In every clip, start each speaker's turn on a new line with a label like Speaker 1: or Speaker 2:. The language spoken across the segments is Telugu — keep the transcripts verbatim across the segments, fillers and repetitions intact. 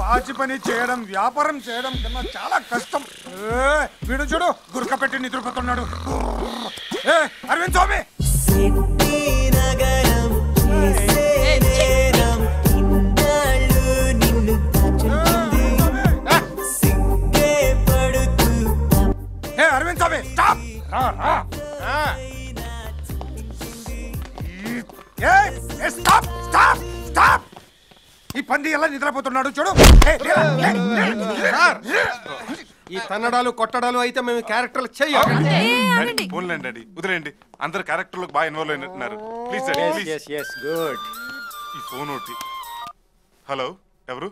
Speaker 1: పాచి పని చేయడం వ్యాపారం చేయడం కన్నా చాలా కష్టం. వీడు చూడు గురక పెట్టి నిద్రపోతున్నాడు. ఏ అరవింద్ స్వామి ఏ Arvind Swamy stop. Stop stop stop. ఈ పంది ఎలా నిద్రపోతున్నాడు చూడు.
Speaker 2: ఈ తన్నడాలు కొట్టడాలు అయితే మేము క్యారెక్టర్లు చెయ్యాలి.
Speaker 3: వదిలేండి, అందరు క్యారెక్టర్లకు బాగా ఇన్వాల్వ్ అయినట్టున్నారు. Please
Speaker 2: good.
Speaker 3: ఈ ఫోన్ ఒకటి. హలో, ఎవరు?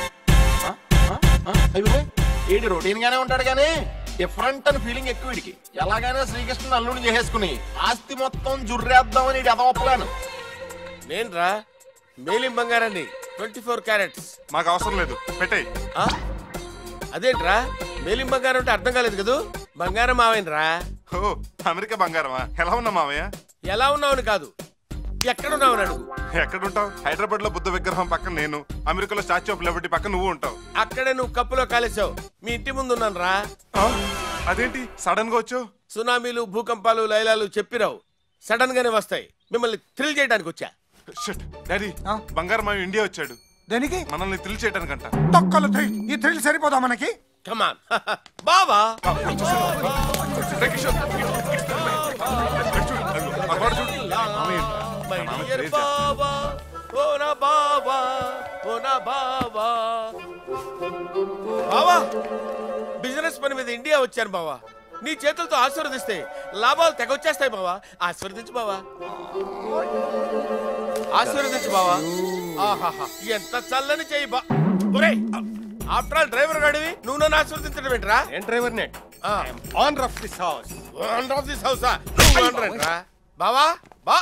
Speaker 4: వీడి రొటీన్ గానే ఉంటాడు గానీ డిఫరెంట్ అని ఫీలింగ్ ఎక్కువ వీడికి. ఎలాగైనా శ్రీకృష్ణుని అల్లుని చేసేసుకుని ఆస్తి మొత్తం జుర్రేద్దామని ఎదవప్పలాను.
Speaker 5: నేను రా మేలిం బంగారాన్ని ట్వంటీ ఫోర్ క్యారెట్స్.
Speaker 3: మాకు అవసరం లేదు, పెట్టేయ్.
Speaker 5: అదేంట్రా మేలిం బంగారం అంటే అర్థం కాలేదు కదూ. బంగారం మావయ్యరా.
Speaker 3: ఓ అమెరికా బంగారమా? ఎలా ఉన్నా మావయ్య?
Speaker 5: ఎలా ఉన్నావని కాదు, ఎక్కడున్నావని అడుగు.
Speaker 3: ఎక్కడుంటావు? హైదరాబాద్ లో బుద్ధ విగ్రహం పక్కన నేను, అమెరికాలో స్టాచ్యూ ఆఫ్ లిబర్టీ పక్కన నువ్వు ఉంటావు.
Speaker 5: అక్కడే నువ్వు కప్పులో కాలేసావు. మీ ఇంటి ముందు ఉన్నాను రా.
Speaker 3: అదేంటి సడన్ గా వచ్చావు?
Speaker 5: సునామీలు, భూకంపాలు, లైలాలు చెప్పిరావు, సడన్ గానే వస్తాయి. మిమ్మల్ని థ్రిల్ చేయడానికి వచ్చా.
Speaker 3: డాడీ, బంగారం మావి ఇండియా వచ్చాడు.
Speaker 1: దేనికి?
Speaker 3: మనల్ని థ్రిల్ చేయడానికంట.
Speaker 1: తొక్కలు థ్రిల్. ఈ థ్రిల్ సరిపోదా మనకి?
Speaker 5: కమాన్ బావా. బిజినెస్ పని మీద ఇండియా వచ్చాను బావా. నీ చేతులతో ఆశీర్వదిస్తే లాభాలు తెగొచ్చేస్తాయి బావా. ఆశీర్వదించు బావా, ఆశీర్వదించు బావా. ఆహాహా, ఎంత చల్లని చెయ్యి బా. ఆఫ్టర్ ఆల్ డ్రైవర్ గాడివి నువ్వు నన్ను ఆశీర్వదించడం ఏంట్రా?
Speaker 2: నేను driver not owner of this house.
Speaker 5: Owner of this హౌసా? బావా బా.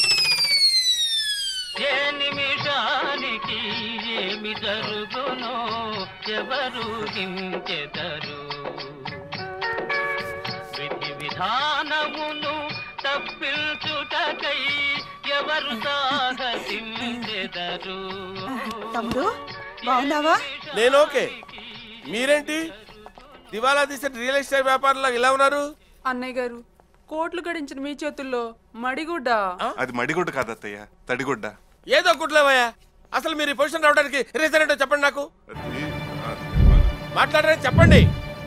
Speaker 6: ఏ నిమిషానికి ఏమి జరుగునో ఎవరు హించెదరు. విధి విధానమును తప్పించుటకై ఎవరు సాహసించెదరు.
Speaker 7: తమ్ముడు బాగున్నావా?
Speaker 5: నేను ఓకే. మీరేంటి దివాలా తీసిన రియల్ ఎస్టేట్ వ్యాపారంలో ఇలా ఉన్నారు?
Speaker 8: అన్నయ్య గారు, కోట్లు గడించిన మీ చేతుల్లో మడిగుడ్డ.
Speaker 3: అది మడిగుడ్డ కాదు అత్తయ్య, తడిగుడ్డ.
Speaker 5: ఏదో గుడ్లేవయ్యా. అసలు మీరు ఈ పొజిషన్ రావడానికి రీజన్ ఏంటో చెప్పండి నాకు. మాట్లాడరని చెప్పండి.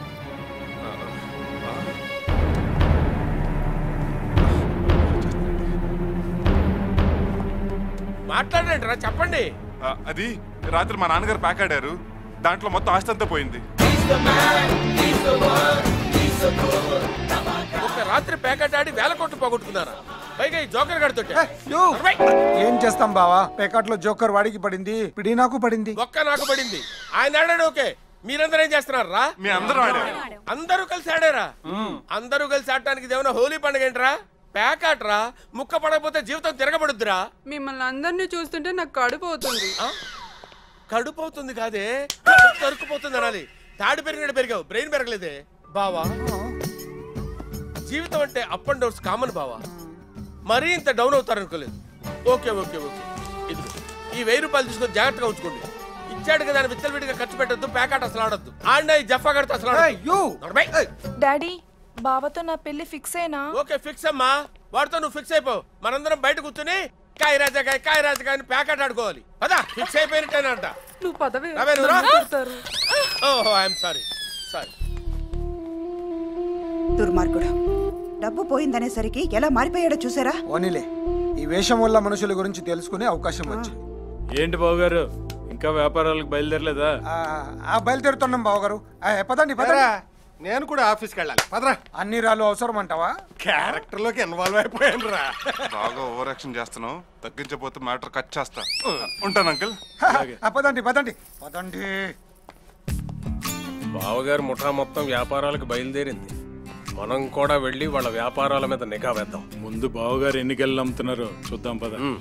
Speaker 5: మాట్లాడరేంటి రా, చెప్పండి.
Speaker 3: అది రాత్రి మా నాన్నగారు ప్యాక్ ఆడారు, దాంట్లో మొత్తం ఆస్తి అంతా పోయింది.
Speaker 5: ఒక రాత్రి ప్యాకెట్ ఆడి వేల కోట్లు పోగొట్టుకున్నారా? పైగా ఈ జోకర్ గాడితో.
Speaker 1: ఏం చేస్తాం బావా, ప్యాకెట్ లో జోకర్ వాడికి పడింది, పిడి నాకు పడింది.
Speaker 5: ఒక్క నాకు పడింది. ఆయన ఆడాడు ఓకే, మీరందరూ ఏం చేస్తున్నారు రా?
Speaker 3: మీ అందరూ ఆడారు.
Speaker 5: అందరూ కలిసి ఆడారా? అందరూ కలిసి ఆడటానికి ఏమైనా హోలీ పండుగ ఏంట్రా? ప్యాకెట్ రా, ముక్క పడకపోతే జీవితం తిరగబడుద్దిరా.
Speaker 8: మిమ్మల్ని అందరినీ చూస్తుంటే నాకు కడుపు అవుతుంది.
Speaker 5: కడుపు అవుతుంది కాదే, తరుక్కుపోతుంది అనాలి. తాడు పెరిగినట్టు పెరిగావు, బ్రెయిన్ పెరగలేదే బావా. జీవితం అంటే అప్ అండ్ డౌన్స్ కామన్ బావా. మరీ ఇంత డౌన్ అవుతారు అనుకోలేదు. ఓకే ఓకే ఓకే, ఇది ఈ వెయ్యి రూపాయలు తీసుకొని జాగ్రత్తగా ఉంచుకోండి. ఇచ్చాడు కదా అని విచ్చలవిడిగా ఖర్చు పెట్టద్దు. ప్యాకెట్ అసలు ఆడద్దు. ఆడినా ఈ జఫా కడితే అసలు
Speaker 7: డాడీ, బావతో నా పెళ్లి ఫిక్స్ అయినా?
Speaker 5: ఓకే ఫిక్స్ అమ్మా, వాడితో నువ్వు ఫిక్స్ అయిపో. మనందరం బయట కూర్చుని కాయ రాజాకాయ కాయ రాజాకాయ అని ప్యాకెట్ ఆడుకోవాలి. పదా, ఫిక్స్ అయిపోయినట్టేనంట.
Speaker 8: నువ్వు పదవి.
Speaker 5: ఓహో ఐఎమ్ సారీ సారీ.
Speaker 7: దుర్మార్గుడు, డబ్బు పోయిందనేసరికి ఎలా మారిపోయాడో చూసారా?
Speaker 1: ఓనిలే, ఈ వేషం వల్ల మనుషుల గురించి తెలుసుకునే అవకాశం వచ్చింది.
Speaker 9: ఏంటి బావగారు, ఇంకా వ్యాపారాలకు బయలుదేరలేదా?
Speaker 1: బయలుదేరుతున్నాం బావగారు. పదండి పదరా.
Speaker 2: నేను కూడా ఆఫీస్కి వెళ్ళాలి, పదరా.
Speaker 1: అన్ని రాళ్ళు అవసరం అంటావా?
Speaker 2: క్యారెక్టర్ లోకి ఇన్వాల్వ్ అయిపోయాను రా.
Speaker 3: బాగా ఓవర్ యాక్షన్ చేస్తున్నావు, తగ్గించకపోతే మ్యాటర్ కట్ చేస్తా. ఉంటాను అంకుల్.
Speaker 1: పదండి పదండి పదండి.
Speaker 9: బావగారు ముఠా మొత్తం వ్యాపారాలకు బయలుదేరింది. మనం కూడా వెళ్ళి వాళ్ళ వ్యాపారాల మీద నిఘా వేద్దాం. ముందు బావగారు ఎన్ని గెల్లు అమ్ముతున్నారో చూద్దాం పద.